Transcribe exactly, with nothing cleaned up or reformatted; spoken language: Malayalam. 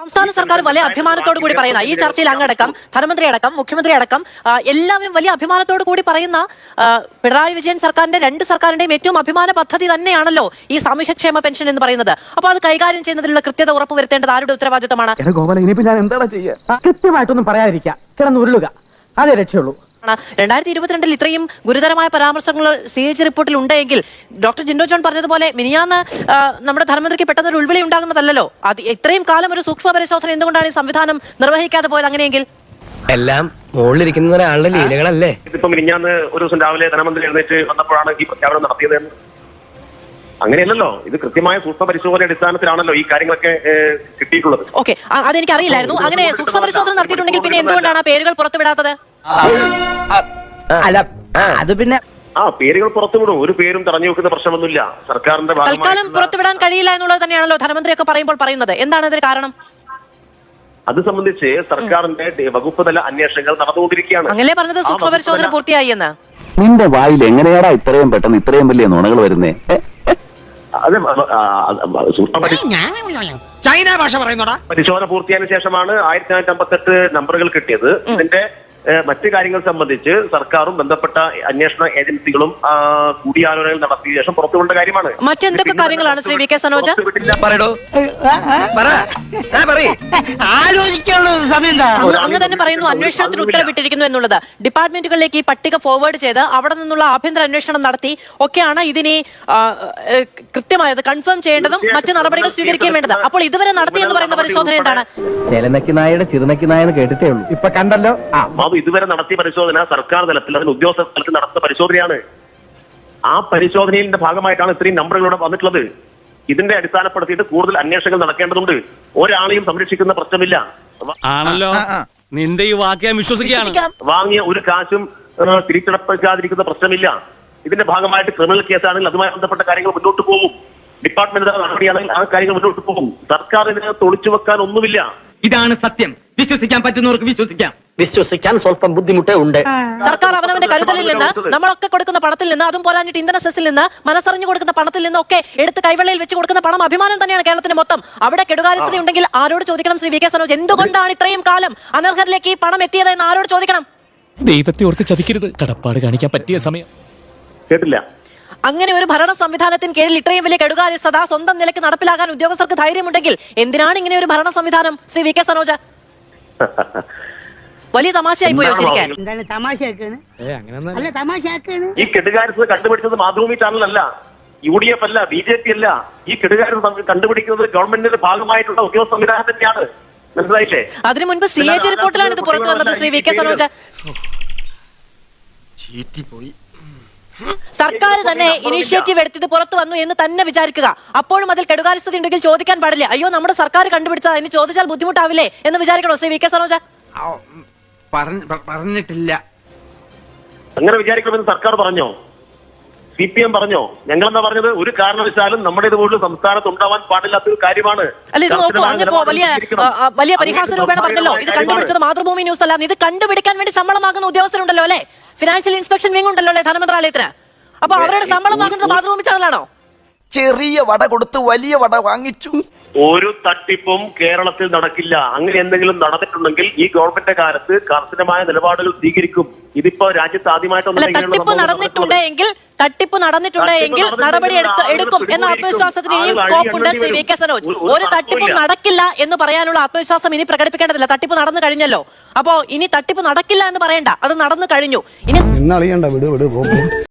സംസ്ഥാന സർക്കാർ വലിയ അഭിമാനത്തോടു കൂടി പറയുന്ന ഈ ചർച്ചയിൽ അങ്ങടക്കം ധനമന്ത്രി അടക്കം മുഖ്യമന്ത്രി അടക്കം എല്ലാവരും വലിയ അഭിമാനത്തോടു കൂടി പറയുന്ന പിണറായി വിജയൻ സർക്കാരിന്റെ രണ്ട് സർക്കാരിന്റെയും ഏറ്റവും അഭിമാന പദ്ധതി തന്നെയാണല്ലോ ഈ സാമൂഹ്യക്ഷേമ പെൻഷൻ എന്ന് പറയുന്നത്. അപ്പൊ അത് കൈകാര്യം ചെയ്യുന്നതിലുള്ള കൃത്യത ഉറപ്പുവരുത്തേണ്ടത് ആരുടെ ഉത്തരവാദിത്തമാണ്? കൃത്യമായിട്ടൊന്നും പറയാതിരിക്കുക, കിടന്ന് ഉരുളുക, അതേ രക്ഷയുള്ളൂ. രണ്ടായിരത്തി ഇരുപത്തിരണ്ടിൽ ഇത്രയും ഗുരുതരമായ പരാമർശങ്ങൾ സി എച്ച് റിപ്പോർട്ടിൽ ഉണ്ടെങ്കിൽ ഡോക്ടർ ജിൻഡോ ജോൺ പറഞ്ഞതുപോലെ മിനിയാന്ന് നമ്മുടെ ധനമന്ത്രിക്ക് പെട്ടെന്ന് ഒരു ഉൾവിളി ഉണ്ടാകുന്നതല്ലോ. അത് ഇത്രയും കാലം ഒരു സൂക്ഷ്മ പരിശോധന എന്തുകൊണ്ടാണ് ഈ സംവിധാനം നിർവഹിക്കാതെ പോയത്? അങ്ങനെയെങ്കിൽ എല്ലാം മുകളിലിരിക്കുന്ന ഒരാളുടെ ലീലകളല്ലേ. ഇതിപ്പോ മിനിഞ്ഞാന്ന് ഒരു ദിവസം രാവിലെ ധനമന്ത്രി എഴുന്നേറ്റ് വന്നപ്പോഴാണ് ഈ പ്രഖ്യാപനം നടത്തിയത്. അങ്ങനെയല്ലല്ലോ, ഇത് കൃത്യമായ സൂക്ഷ്മ പരിശോധന അടിസ്ഥാനത്തിലാണല്ലോ ഈ കാര്യങ്ങളൊക്കെ കിട്ടിയിട്ടുള്ളത്. ഓക്കെ, അതെനിക്ക് അറിയില്ലായിരുന്നു. അങ്ങനെ സൂക്ഷ്മ പരിശോധന നടത്തിയിട്ടുണ്ടെങ്കിൽ പിന്നെ എന്തുകൊണ്ടാണ് ആ പേരുകൾ പുറത്തുവിടാത്തത്? അല്ല, അത് പിന്നെ ആ പേരുകൾ പുറത്തുവിടും, ഒരു പേരും തടഞ്ഞു വെക്കുന്ന പ്രശ്നമൊന്നുമില്ല. സർക്കാരിന്റെ തൽക്കാലം പുറത്തുവിടാൻ കഴിയില്ല എന്നുള്ളത് തന്നെയാണല്ലോ ധനമന്ത്രിയൊക്കെ പറയുമ്പോൾ പറയുന്നത്. എന്താണ് ഇതിന് കാരണം? അത് സംബന്ധിച്ച് സർക്കാരിന്റെ വകുപ്പ് തല അന്വേഷണങ്ങൾ നടന്നുകൊണ്ടിരിക്കുകയാണ്. അങ്ങനെ പറഞ്ഞത് സൂക്ഷ്മ പരിശോധന പൂർത്തിയായി എന്ന്. നിന്റെ വായിൽ എങ്ങനെയാടാ ഇത്രയും പെട്ടെന്ന് ഇത്രയും വലിയ നുണകൾ വരുന്നേ? അതെ, ചൈന ഭാഷ പറയുന്നോടാ. പരിശോധന പൂർത്തിയായതിനു ശേഷമാണ് ആയിരത്തി തൊള്ളായിരത്തി അമ്പത്തെട്ട് നമ്പറുകൾ കിട്ടിയത്. ഇതിന്റെ മറ്റു കാര്യങ്ങൾ സംബന്ധിച്ച് സർക്കാരും ബന്ധപ്പെട്ട അന്വേഷണ ഏജൻസികളും കൂടിയാലോചനകൾ നടത്തിയ ശേഷം പുറത്തുകൊണ്ട കാര്യമാണ്. മറ്റെന്തൊക്കെ കാര്യങ്ങളാണ് ശ്രീ വി കെ സനോജ്? അങ്ങ് തന്നെ പറയുന്നു അന്വേഷണത്തിന് ഉത്തരവിട്ടിരിക്കുന്നു എന്നുള്ളത്. ഡിപ്പാർട്ട്മെന്റുകളിലേക്ക് ഈ പട്ടിക ഫോർവേഡ് ചെയ്ത് അവിടെ നിന്നുള്ള ആഭ്യന്തര അന്വേഷണം നടത്തി ഒക്കെയാണ് ഇതിനെ കൃത്യമായത് കൺഫേം ചെയ്യേണ്ടതും മറ്റു നടപടികൾ സ്വീകരിക്കുകയും വേണ്ടത്. അപ്പോൾ ഇതുവരെ നടത്തിയെന്ന് പറയുന്ന പരിശോധന എന്താണ്? ചെലനക്കിനായുടെ ചിറുനക്കിനായെന്ന് കേട്ടിട്ടേ ഉള്ളൂ, ഇപ്പൊ കണ്ടല്ലോ. ഇതുവരെ നടത്തിയ പരിശോധന സർക്കാർ തലത്തിൽ അതിന് ഉദ്യോഗസ്ഥ തലത്തിൽ നടത്തുന്ന പരിശോധനയാണ്. ആ പരിശോധനയുടെ ഭാഗമായിട്ടാണ് ഇത്രയും നമ്പറുകളോടെ വന്നിട്ടുള്ളത്. ഇതിന്റെ അടിസ്ഥാനപ്പെടുത്തിയിട്ട് കൂടുതൽ അന്വേഷണങ്ങൾ നടക്കേണ്ടതുണ്ട്. ഒരാളെയും സംരക്ഷിക്കുന്ന പ്രശ്നമില്ല. ആണല്ലോ, നിന്റെ ഈ വാക്യം വിശ്വസിക്കുകയാണ്. വാങ്ങിയ ഒരു കാശും തിരിച്ചടപ്പിക്കാതിരിക്കുന്ന പ്രശ്നമില്ല. ഇതിന്റെ ഭാഗമായിട്ട് ക്രിമിനൽ കേസാണെങ്കിൽ അതുമായി ബന്ധപ്പെട്ട കാര്യങ്ങൾ മുന്നോട്ട് പോകും. ഡിപ്പാർട്ട്മെന്റ് നടപടിയാണെങ്കിൽ ആ കാര്യങ്ങൾ മുന്നോട്ട് പോകും. സർക്കാർ ഇതിനകത്ത് ഒളിച്ചു വെക്കാൻ ഒന്നുമില്ല. ഇതാണ് സത്യം. വിശ്വസിക്കാൻ പറ്റുന്നവർക്ക് വിശ്വസിക്കാം, വിശ്വസിക്കാൻ സ്വല്പം ബുദ്ധിമുട്ടേ ഉണ്ട്. സർക്കാർ അവനവന്റെ കരുതലിൽ നിന്ന്, നമ്മളൊക്കെ കൊടുക്കുന്ന പണത്തിൽ നിന്ന്, അതും പോരാഞ്ഞിട്ട് ഇന്ധന സെസ്സിൽ നിന്ന്, മനസ്സറിഞ്ഞു കൊടുക്കുന്ന പണത്തിൽ നിന്നൊക്കെ എടുത്ത് കൈവെള്ളയിൽ വെച്ച് കൊടുക്കുന്ന പണം അഭിമാനം തന്നെയാണ് കേരളത്തിന് മൊത്തം. അവിടെ കെടുകാര്യസ്ഥത ഉണ്ടെങ്കിൽ ആരോട് ചോദിക്കണം ശ്രീ വി കെ സനോജ്? എന്തുകൊണ്ടാണ് ഇത്രയും കാലം അനർഹരിലേക്ക് ഈ പണം എത്തിയത് എന്ന് ആരോട് ചോദിക്കണം? ദൈവത്തെ ഓർത്ത് ചതിക്കരുത്, കടപ്പാട് കാണിക്കാൻ പറ്റിയ സമയം. കേട്ടില്ല. അങ്ങനെ ഒരു ഭരണ സംവിധാനത്തിന് കീഴിൽ ഇത്രയും വലിയ കെടുകാര്യസ്ഥത സ്വന്തം നിലയ്ക്ക് നടപ്പിലാക്കാൻ ഉദ്യോഗസ്ഥർക്ക് ധൈര്യമുണ്ടെങ്കിൽ എന്തിനാണ് ഇങ്ങനെ ഒരു ഭരണ സംവിധാനം ശ്രീ വി കെ സനോജ്? വലിയ തമാശയായി പോയി വെച്ചിരിക്കാൻ. ഈ കെടുകാര്യസ്ഥത കണ്ടുപിടിച്ചത് മാതൃഭൂമി ചാനലല്ല, യു ഡി എഫ് അല്ല, ബി ജെ പി അല്ല. ഈ കെടുകാര്യസ്ഥത കണ്ടുപിടിക്കുന്നത് ഗവൺമെന്റിന്റെ ഭാഗമായിട്ടുള്ള ഉദ്യോഗസ്ഥ സംവിധാനം തന്നെയാണ്. മനസ്സിലായില്ലേ? അതിനു മുൻപ് സി എ ജി റിപ്പോർട്ടിലാണ് ഇത് പുറത്തു വന്നത് ശ്രീ വി കെ സനോജ്. സർക്കാർ തന്നെ ഇനീഷ്യേറ്റീവ് എടുത്തത് പുറത്തു വന്നു എന്ന് തന്നെ വിചാരിക്കുക. അപ്പോഴും അതിൽ കെടുകാര്യസ്ഥത ഉണ്ടെങ്കിൽ ചോദിക്കാൻ പാടില്ല. അയ്യോ, നമ്മുടെ സർക്കാർ കണ്ടുപിടിച്ചത്, അതിന് ചോദിച്ചാൽ ബുദ്ധിമുട്ടാവില്ലേ എന്ന് വിചാരിക്കണോ ശ്രീ വി കെ സനോജ്? പറഞ്ഞിട്ടില്ല. അങ്ങനെ വിചാരിക്കണമെന്ന് സർക്കാർ പറഞ്ഞോ? സി പി എം പറഞ്ഞോ? ഞങ്ങളെന്താ പറഞ്ഞത്? ഒരു കാരണവശാലും നമ്മുടെ ഇതുപോലുള്ള സംസ്ഥാനത്ത് ഉണ്ടാവാൻ പാടില്ലാത്തൊരു കാര്യമാണ്. അല്ല, ഇത് നോക്കൂ, അങ്ങപ്പോ വലിയ വലിയ പരിഹാസ രൂപേണ പറഞ്ഞല്ലോ ഇത് കണ്ടുപിടിച്ചത് മാതൃഭൂമി ന്യൂസ് അല്ല. ഇത് കണ്ടുപിടിക്കാൻ വേണ്ടി ശമ്പളം വാങ്ങുന്ന ഉദ്യോഗസ്ഥരുണ്ടല്ലോ അല്ലെ? ഫിനാൻഷ്യൽ ഇൻസ്പെക്ഷൻ വിങ് ഉണ്ടല്ലോ അല്ലെ ധനമന്ത്രാലയത്തിന്? അപ്പൊ അവരുടെ ശമ്പളം വാങ്ങുന്നത് മാതൃഭൂമി ചാനലാണോ? ചെറിയ വട കൊടുത്ത് വലിയ വട വാങ്ങിച്ചു. ഒരു തട്ടിപ്പും കേരളത്തിൽ നടക്കില്ല. അങ്ങനെ എന്തെങ്കിലും നടന്നിട്ടുണ്ടെങ്കിൽ ഈ ഗവൺമെന്റ് കാലത്ത് കർശനമായ നിലപാടുകൾ സ്വീകരിക്കും. ഇതിപ്പോ രാജ്യത്ത് ആദ്യമായിട്ടൊന്നും തട്ടിപ്പ് നടന്നിട്ടുണ്ടെങ്കിൽ തട്ടിപ്പ് നടന്നിട്ടുണ്ടെങ്കിൽ നടപടി എടുക്കും എന്ന ആത്മവിശ്വാസത്തിന് ഇനിയും സ്കോപ്പ് ഉണ്ട് ശ്രീ വി കെ സനോജ്. ഒരു തട്ടിപ്പും നടക്കില്ല എന്ന് പറയാനുള്ള ആത്മവിശ്വാസം ഇനി പ്രകടിപ്പിക്കേണ്ടതില്ല. തട്ടിപ്പ് നടന്നു കഴിഞ്ഞല്ലോ. അപ്പോ ഇനി തട്ടിപ്പ് നടക്കില്ല എന്ന് പറയണ്ട, അത് നടന്നു കഴിഞ്ഞു. ഇനി